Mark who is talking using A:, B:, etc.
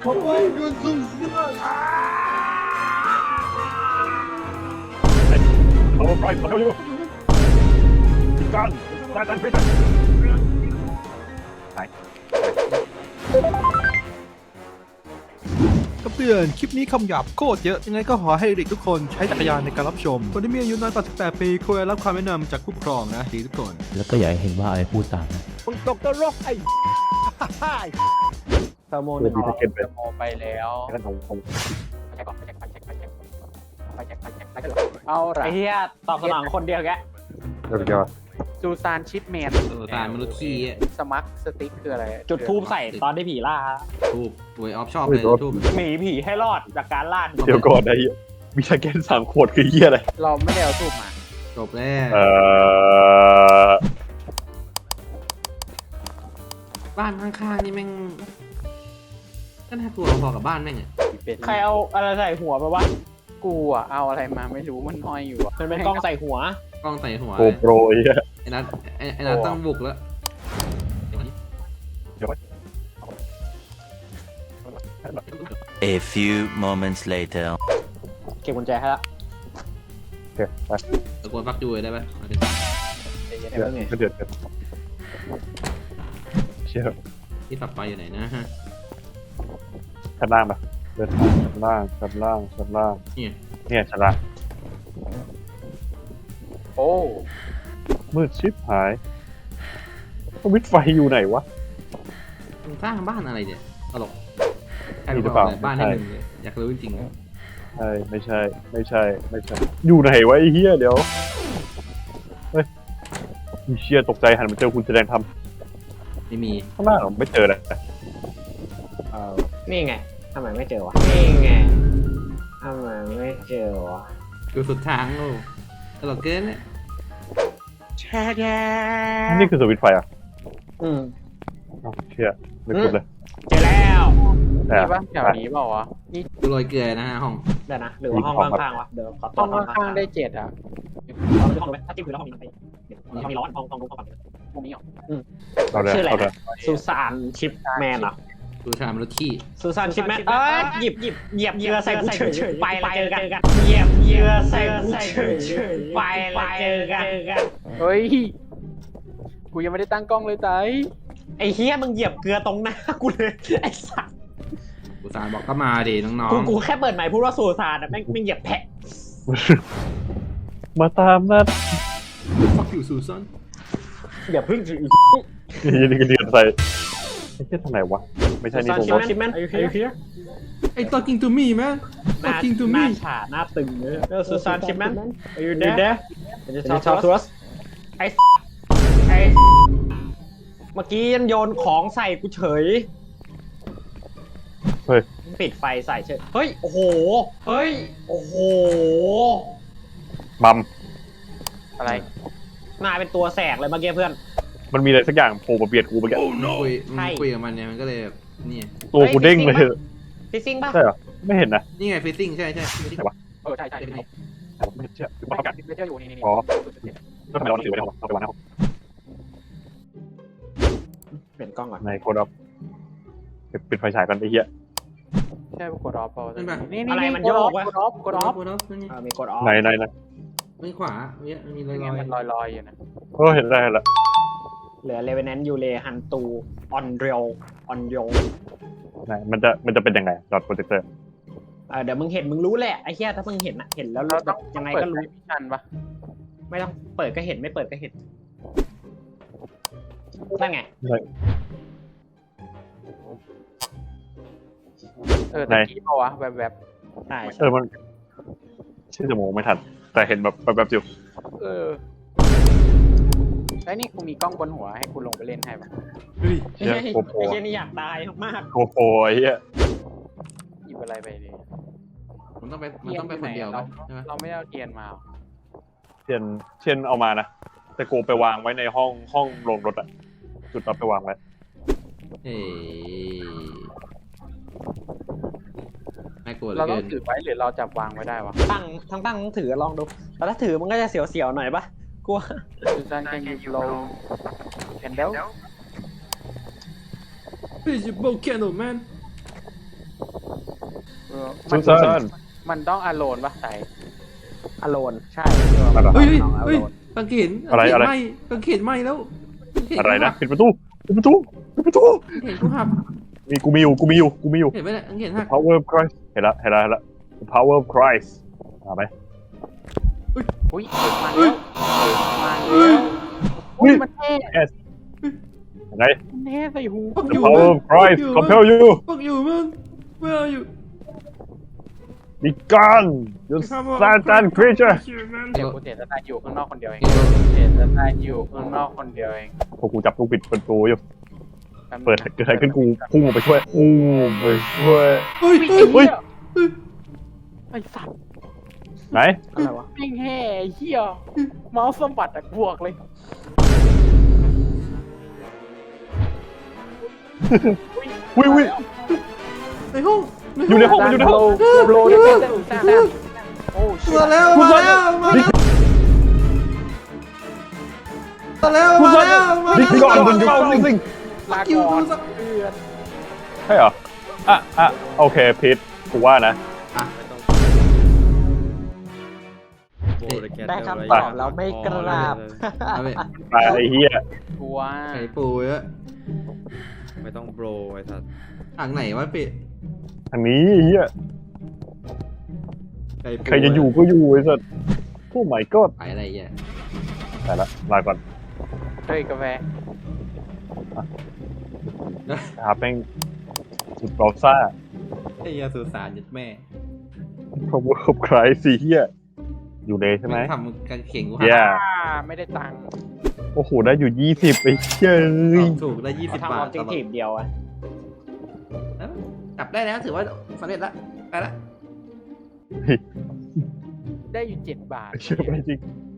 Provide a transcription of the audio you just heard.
A: เอาไปเอาอยู่กันได้ตันไปไหน
B: คำเตือนคลิปนี้คำหยาบโคตรเยอะยังไงก็ขอให้เด็กทุกคนใช้จักรยานในการรับชมคนที่มีอายุน้อยกว่า18 ปีควรรับคำแนะนำจากผู้ปกครองนะดีทุกคน
C: แล้วก็อย่าให้เห็นว่าอะไรพูดตามนะ
D: มึงตกตลกไอ้สโมหนึ่งออก
A: เก็บไป
D: สโมไปแล้ว
A: แล้วผม
D: เอาละ
E: ไอ้เหี้ยตอบสนองคนเดียวแก
A: เดี๋ยว
D: ซูซานชิปแมน
F: ตามมนุษย์ขี้
D: สมัครสติ๊กคืออะไร
E: จุดทูบใส่ตอนที่ผีล่า
F: ทูบเวยออฟชอบเลยทูบ
E: หนีผีให้รอดจากการล่า
A: เดี๋ยวก่อนไอ้มีชาแกน3 ขวดคือเหี้ยอะไร
D: เราไม่ได้เอาทูบมา
F: จบแล้ว
A: อ
F: บ้านข้างๆนี่แม่งก็น่ากลัวพอกับบ้านแม่งอ่ะ
D: เป็น
E: ใครเอาอะไรใส่หัวไปวะ
D: กูอ่ะเอาอะไรมาไม่รู้มันห้อยอยู่อ่ะ
E: มันเป็นกล้องใส่หัว
F: กล้องใส่หัว
A: โกโปรไอ้เหี้ย
F: ไอ้นัทไอ้นัทต้องบุกแล้ว
G: A few moments later.
E: เก็บกุญแจให้ละ
A: โอเคไป
F: ตะโกนปักจูเลยได้ปะเอาดิ
D: เดี๋ยวเดี๋ยว
A: เดือดเชี่ย
F: ที่ตับไปอยู่ไหนนะฮะ
A: ชั้นล่างปะเดินทางชั้นล่าง
F: นี่
A: เนี่ยชั้นล่าง
D: โอ้
A: มืดชิบหายวิทไฟอยู่ไหนวะ
F: มึงสร้างบ้านอะไรเนี่ยตลกใคร
A: มี
F: รู้
A: หรือเปล่า
F: บ้านให้มึงเลยอยากรู้จริง
A: ใช่ไม่ใช่ อยู่ไหนวะไอ้เหี้ยเดี๋ยวเฮ้ยมีเชี่ยตกใจหันมาเจอคุณแสดงท
F: ๆไม่มี
A: ำข้างหน้าไม่เจอเลย
E: นี่ไงทำไมไม่เจอวะนี่ไงทำไมไม่เจอวะ
F: อยู่สุดทางโอ้ตลกเกินเนี่ย
A: นี่คือสวิตช์ไฟอ่ะ
E: อืม
A: อ้าวเชี่ยไม่คุ้นเลย
E: เจอแล้ว
A: แต่
D: นี่ปะแถวนี้เปล่าวะนี่
F: กูโรยเกลือนะฮะห้อง
E: เดี๋ยวนะหรือว่าห้องข้างๆวะเดี๋ยวขอตั
D: ห้
E: ว
D: อง
E: ห้อง
D: ข้า
E: ข้าง ง
D: ๆ
E: ๆ
D: ได้7อ่ะ
E: ห้องถ้าจิ้มพื้นแล้วห้องนี้มันไปเดี๋ยวห้องนี้ร้อนห้องนู้นห้องฝั่ง
D: ตรงนี้เหรอ
A: เอาเลย
E: ชื่ออะไร
A: เอาเลย
E: ซูซานชิปแมนเหรอ
F: ดูชามมนุษย์ขี้
E: ซูซานชิปแมนหยิบเหยียบเรือใส่กูเฉยๆไปแล้วเจอกันเหยียบเรือใส่กูเฉยๆไปแล้วเจอกัน
D: เฮ้ยกูยังไม่ได้ตั้งกล้องเลยไต
E: ไอ้เฮียมึงเหยียบเกลือตรงหน้ากูเลยไอ้สัส
F: กูสารบอกก็มาดิน้อง
E: กูแค่เปิดใหม่พูดว่าซูซานแม่งเหยียบแพะ
A: มาตามนัด
F: ๆ fuck you Susan
E: อย่าพึ่งสิ
A: ยันนี่ก็เดือดใส่ไอ้เชี่ยทางไหนวะไม่ใช่นี่ผมว่า
E: ชิปแมนไอ้เฮีย
F: ไอ้ talking to me man
E: หน้า
F: talking to
E: ห
F: me
E: น้าฉาหน้าตึงเลยซูซานชิปแมนอยู่เด้จะชอบทัวร์ไอ้เมื่อกี้ยันโยนของใส่กูเฉย
A: เฮ้ย
E: ปิดไฟใส่เฉยเฮ้ยโอ้โหเฮ้ยโอ้โห
A: มัม
D: อะไร
E: นายเป็นตัวแสกเลยเมื่อกี้เพื่อน
A: มันมีอะไรสักอย่างโผล่มาเบียดกูเมื่อกี้
F: มันคุยกับมันเนี่ยมันก็เลยแบบนี่
A: ตัวกูเด้งเลย
E: ฟิซซิ่งป่ะ
A: ใช่เหรอไม่เห็นนะ
F: นี่ไง facing ใช่
D: ใช่ใช่
A: ไม่เชื่อ
D: ประกาศไม่เจออยู่นี่
A: อ๋อก็ทำไมเราหนังสือไว้ในห้องเอาไปวางในห้อง
E: เปลี่ยนกล้องก่อน
A: ในโคดอฟปิดไฟฉายกันไอ้เหี้ย
D: ใช่กดออฟเปล่านี่
E: อะไรมันโยกวะ
D: กดออฟ
F: กดออฟนั่นไง
E: มีกดออฟ
A: ไหน
F: ไม่ขวาเนี่ยมีรอย
D: มันลอยอยู่นะ
A: โอ้เห็นแล้ว
E: เหลือเลเวนแนนยูเลฮันตูออนเรียวออนโย
A: ไหนมันจะเป็นยังไงดอทโปรเจคเตอร์
E: เดี๋ยวมึงเห็นมึงรู้แหละไอ้เหี้ยถ้ามึงเห็นอะเห็นแล้ว
D: เราต้อง
E: ยังไง
D: เปิด
E: ก็รู้
D: มิชชั่นปะ
E: ไม่ต้องเปิดก็เห็นไม่เปิดก็เห็นนั่นไง
D: ตะกี้เปล่าวะแบบ
E: ใช่
A: มันชื่อจะมองไม่ทันแต่เห็นแบบอยู่
D: ไอ้นี่กูมีกล้องบนหัวให้กูลงไปเล่นให้ปะ
F: เฮ้ย
A: เชี่ยโกโปร
E: ไอ้เหี้ยนี่อยากตายมาก
A: โกโปรไอ้เหี้ย
D: หยิบอะไรไปดิ
F: มันต้องไปคนเดียวป่ะใช่ไหม
D: เราไม่ได้เอาเทียนมา
A: เช่นเอามานะแต่โกไปวางไว้ในห้องโรงรถอะจุดเอาไปวางไว้
F: เฮ้ยน่ากลัวเหลื
D: เรา
F: อ
D: ต้อ
F: เกิ
D: ง
F: น
D: ถือไว้หรือเราจับวางไว้ได้วะ
E: ตั้งต้องถือลองดูแต่ถ้าถือมันก็จะเสียวๆหน่อยปะกลัว
D: Susan can you blow candle
F: Please you blow candle man
A: ซูซาน
D: มันต้องอโลนปะใส่อโลนใช่
A: นั่นเหรอ
F: เฮ้ย
D: น้องอ
F: เฮ้ย
D: โลน
F: กางเขน
A: อะไรอะไร
F: ไหมกางเขนไหมแล้วกางเข
A: อะไรนะ
F: หัก
A: ปิดประตูปิดประตูปิดประตู
F: กางเขนกูหัก
A: มีกูมีอยู่กูมีอยู่กูมีอยู่
F: เห็นไหมเนี่ยกางเขนหัก
A: Power of Christ เห็นละเห็นละเห็นละ The Power of Christ มาไหม
D: อุ้ยมาแล้วมา
F: เฮ้
D: แล้
F: ยว
A: อุ้ย
D: มันเท่
A: ยังไง
D: มันเท่ใส่หู
F: ปักอ
A: The
F: ยู่
A: Power of Christ
F: มึง
A: compel you
F: ปักอยู่มึงไม่เอาอยู่
A: be gone you Satan creature
D: เดี๋ยวกูเสียสตาร์อยู่ข้างนอกคนเดียวเองเสียสตาร์อยู่ข้างนอกคนเดียวเอง
A: พอกูจับลูกปิดประตูอยู่เปิดเกิดอะไรขึ้นกูพุ่งออกไปช่วยอู้ไปช่วย
F: เฮ้ยเฮ้ย
A: เฮ้ย
D: ไอ้สัตว์
A: ไหน
D: อะไรวะปิ้งแห่ไอ้เหี้ยเมาส์สมบัติอะบวกเลย
A: อุ้ยอุ้ย
F: ในห้อง
A: อยู่ในห้องมันอยู่ในห้อง
D: โลได้เป็นแซ่บโอ้ชิ
F: มาแล้วมาแล้วมาแล้วมาแล้วมาแล้วมา
A: ดิ
F: แล้ว
A: ก่อนบนยูเฝ้าซิง
D: ลา
F: คิว
D: ก่อน
F: ดูสัก
D: เพื่อน
A: ใช่เหรออ่ะโอเคพีทกูว่านะ
D: ได้คำตอบแล้วไม่กราบ
F: เอาไป
A: ตายไอ้เหี้ย
D: กลัว
F: ไข่ปูเยอะ
H: ไม่ต้องโบรไอ้สัส
F: ทางไหนวะปิ
A: ทางนี้ไอ้เหี้ย
F: ไข่ปู
A: ใครจะอยู่ก็อยู่ไอ้สัสโอ้ my god
F: ไปอะไรเงี้ย
A: ไปละลาก่อน
D: เฮ้ยกาแฟ
A: นะครับแม่งสุดเบราซ่า
F: ไอ้ยาสุสานยัดแม่
A: Power of Christ สิเหี้ยอยู่เลยใช่ไหม
F: ทำกางเขนกู
A: เหี้ย
D: ไม่ได้ตังค์
A: โอ้โหได้อยู่20ไอ้เหี้ย
F: ถูกได้20
E: ทำ
F: บา
E: ออ
F: ท
E: บเจกตีฟเดียวอะ
F: กลับได้แล้วถือว่าสำเร็จละไปละ
D: ได้อยู่7 บาท
A: เชื่อไหมจริง